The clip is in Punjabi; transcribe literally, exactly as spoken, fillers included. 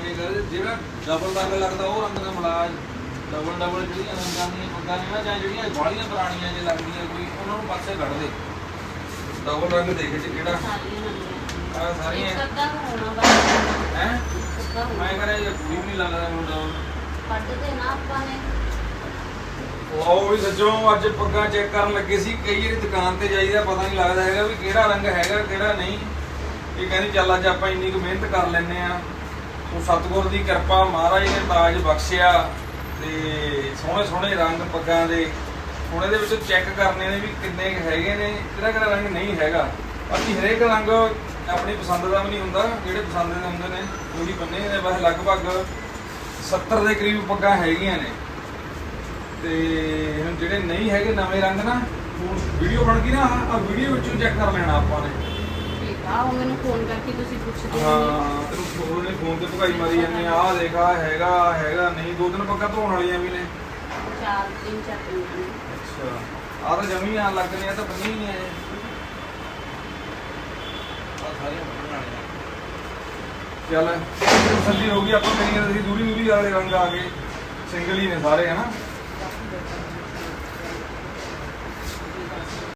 ਕੇ ਕਰ ਜਿਹੜਾ ਡਬਲ ਰੰਗ ਲੱਗਦਾ ਉਹ ਰੰਗ ਦਾ ਮਲਾਜ ਡਬਲ ਡਬਲ ਜਿਹੜੀਆਂ ਰੰਗਾਂ ਦੀਆਂ ਪੱਗਾਂ ਨੇ ਨਾ ਜਾਂ ਜਿਹੜੀਆਂ ਬਾਹਲੀਆਂ ਪੁਰਾਣੀਆਂ ਜੇ ਲੱਗਦੀਆਂ ਕੋਈ ਉਹਨਾਂ ਨੂੰ ਪਾਸੇ ਕੱਢ ਦੇ ਡਬਲ ਰੰਗ ਦੇਖ ਚ ਕਿਹੜਾ ਆ ਸਾਰੀਆਂ ਹੈ ਮੈਂ ਕਰਿਆ ਇਹ ਵੀ ਨਹੀਂ ਲੱਗਦਾ ਮੈਨੂੰ ਡਬਲ ਕੱਢਦੇ ਨਾ ਆਪਾਂ ਨੇ ਉਹ ਵੀ ਸੱਚੋਂ ਅੱਜ ਪੱਗਾਂ ਚੈੱਕ ਕਰਨ ਲੱਗੇ ਸੀ ਕਈ ਵਾਰੀ ਦੁਕਾਨ ਤੇ ਜਾਈਦਾ ਪਤਾ ਨਹੀਂ ਲੱਗਦਾ ਹੈਗਾ ਵੀ ਕਿਹੜਾ ਰੰਗ ਹੈਗਾ ਕਿਹੜਾ ਨਹੀਂ ਇਹ ਕਹਿੰਦੀ ਚੱਲ ਅੱਜ ਆਪਾਂ ਇੰਨੀ ਕੁ ਮਿਹਨਤ ਕਰ ਲੈਂਦੇ ਆ ਸੋ ਸਤਿਗੁਰ ਦੀ ਕਿਰਪਾ ਮਹਾਰਾਜ ਨੇ ਤਾਜ ਬਖਸ਼ਿਆ ਤੇ ਸੋਹਣੇ ਸੋਹਣੇ ਰੰਗ ਪੱਗਾਂ ਦੇ ਹੁਣ ਇਹਦੇ ਵਿੱਚ ਚੈੱਕ ਕਰਨੇ ਨੇ ਵੀ ਕਿੰਨੇ ਹੈਗੇ ਨੇ ਕਿਹੜਾ ਕਿਹੜਾ ਰੰਗ ਨਹੀਂ ਹੈਗਾ ਬਾਕੀ ਹਰੇਕ ਰੰਗ ਆਪਣੀ ਪਸੰਦ ਦਾ ਵੀ ਨਹੀਂ ਹੁੰਦਾ ਜਿਹੜੇ ਪਸੰਦ ਦੇ ਹੁੰਦੇ ਨੇ ਉਹੀ ਬੰਨੇ ਨੇ ਬਸ ਲਗਭਗ ਸੱਤਰ ਦੇ ਕਰੀਬ ਪੱਗਾਂ ਹੈਗੀਆਂ ਨੇ ਤੇ ਹੁਣ ਜਿਹੜੇ ਨਹੀਂ ਹੈਗੇ ਨਵੇਂ ਰੰਗ ਨਾ ਹੁਣ ਵੀਡੀਓ ਬਣ ਗਈ ਨਾ ਆ ਵੀਡੀਓ ਵਿੱਚੋਂ ਚੈੱਕ ਕਰ ਲੈਣਾ ਆਪਾਂ ਨੇ ਠੀਕ ਆ ਉਹ ਮੈਨੂੰ ਫੋਨ ਕਰਕੇ ਤੁਸੀਂ ਪੁੱਛਦੇ ਹਾਂ ਤੈਨੂੰ ਫੋਨ ਨੇ ਫੋਨ ਤੇ ਭਗਾਈ ਮਾਰੀ ਜਾਂਦੇ ਆ ਦੇਖ ਆ ਹੈਗਾ ਹੈਗਾ ਨਹੀਂ ਦੋ ਦਿਨ ਪੱਗਾਂ ਧੋਣ ਵਾਲੀਆਂ ਵੀ ਨੇ ਚਾਰ ਤਿੰਨ ਚਾਰ ਦਿਨ ਨੇ ਅੱਛਾ ਆ ਤਾਂ ਜਮੀ ਆ ਲੱਗਣੇ ਆ ਤਾਂ ਬੰਨੀ ਨਹੀਂ ਆਏ ਆ ਸਾਰੀਆਂ ਬੰਨਣ ਵਾਲੀਆਂ ਚੱਲ ਤਸੱਲੀ ਹੋ ਗਈ ਆਪਾਂ ਮੇਰੀਆਂ ਅਸੀਂ ਦੂਰੀ ਦੂਰੀ ਵਾਲੇ ਰੰਗ ਆ ਗਏ ਸਿੰਗਲ ਹੀ ਨੇ ਸਾਰੇ ਹਨਾ